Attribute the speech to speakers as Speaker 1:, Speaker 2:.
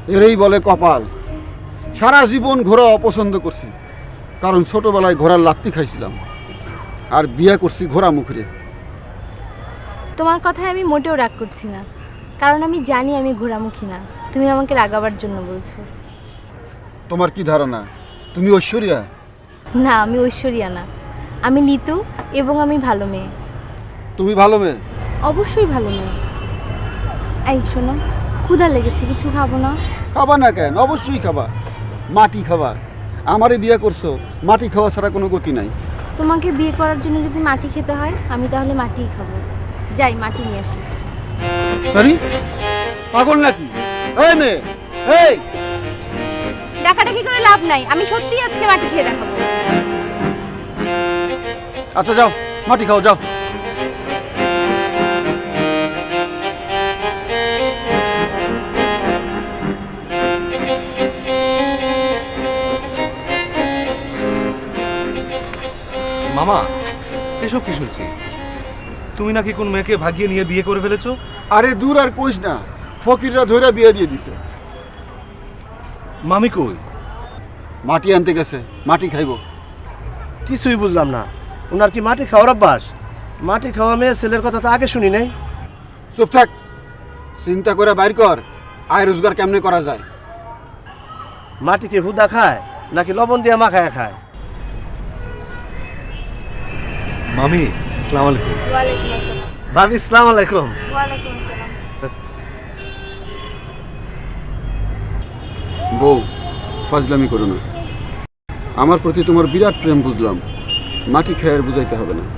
Speaker 1: এরই বলে কপাল। সারা জীবন ঘোড়া অপছন্দ করছি, কারণ ছোটবেলায় ঘোড়ার লাত্তি খাইছিলাম, আর বিয়ে করছি ঘোড়া মুখরে।
Speaker 2: তোমার কথায় আমি মোটেও রাগ করছি না, কারণ আমি জানি আমি ঘোড়ামুখী না। তুমি আমাকে রাগাবার জন্য বলছো।
Speaker 1: তোমার কি ধারণা তুমি ঐশ্বরিয়া?
Speaker 2: না, আমি ঐশ্বরিয়া না, আমি নিতু, এবং আমি ভালো মেয়ে।
Speaker 1: তুমি ভালো মেয়ে?
Speaker 2: অবশ্যই ভালো মেয়ে। এই শোনো, ক্ষুধা লেগেছে, কিছু খাবো না?
Speaker 1: খাবা না কেন? অবশ্যই খাবা। মাটি খাবা। আমারে বিয়ে করছো, মাটি খাওয়া ছাড়া কোনো গতি নাই।
Speaker 2: তোমাকে বিয়ে করার জন্য যদি মাটি খেতে হয়, আমি তাহলে মাটিই খাবো। যাই মাটি নিয়ে আসি।
Speaker 1: আরে পাগল নাকি? এই মেয়ে, এই
Speaker 2: ডাকাডাকি করে লাভ নাই, আমি সত্যিই আজকে মাটি খেয়ে দেখাবো।
Speaker 1: আচ্ছা যাও, মাটি খাও, যাও।
Speaker 3: মামা, এসব কি শুনছি? তুমি নাকি কোন মেয়েকে ভাগিয়ে নিয়ে বিয়ে করে ফেলেছো?
Speaker 1: আরে দূর আর কইস না, ফকিররা ধরে বিয়ে দিয়ে দিছে।
Speaker 3: মামি কই?
Speaker 1: মাটি আনতে গেছে, মাটি খাইবো।
Speaker 4: কিছুই বুঝলাম না, ওনার কি মাটি খাওয়ার অভ্যাস? মাটি খাওয়া মেয়ে ছেলের কথা তো আগে শুনি নাই।
Speaker 1: চুপ থাক, চিন্তা করে বাইর কর আয় রোজগার কেমনে করা যায়।
Speaker 4: মাটি কি হুদা খায় নাকি লবণ দিয়ে মাখায় খায়?
Speaker 3: মামি, আসসালামু আলাইকুম।
Speaker 2: ওয়ালাইকুম আসসালাম।
Speaker 4: ভাবি আসসালামু আলাইকুম।
Speaker 2: ওয়ালাইকুম আসসালাম।
Speaker 1: বউ, ফাজলামি করো না। আমার প্রতি তোমার বিরাট প্রেম বুঝলাম, মাটি খেয়ে আর বুঝাইতে হবে না।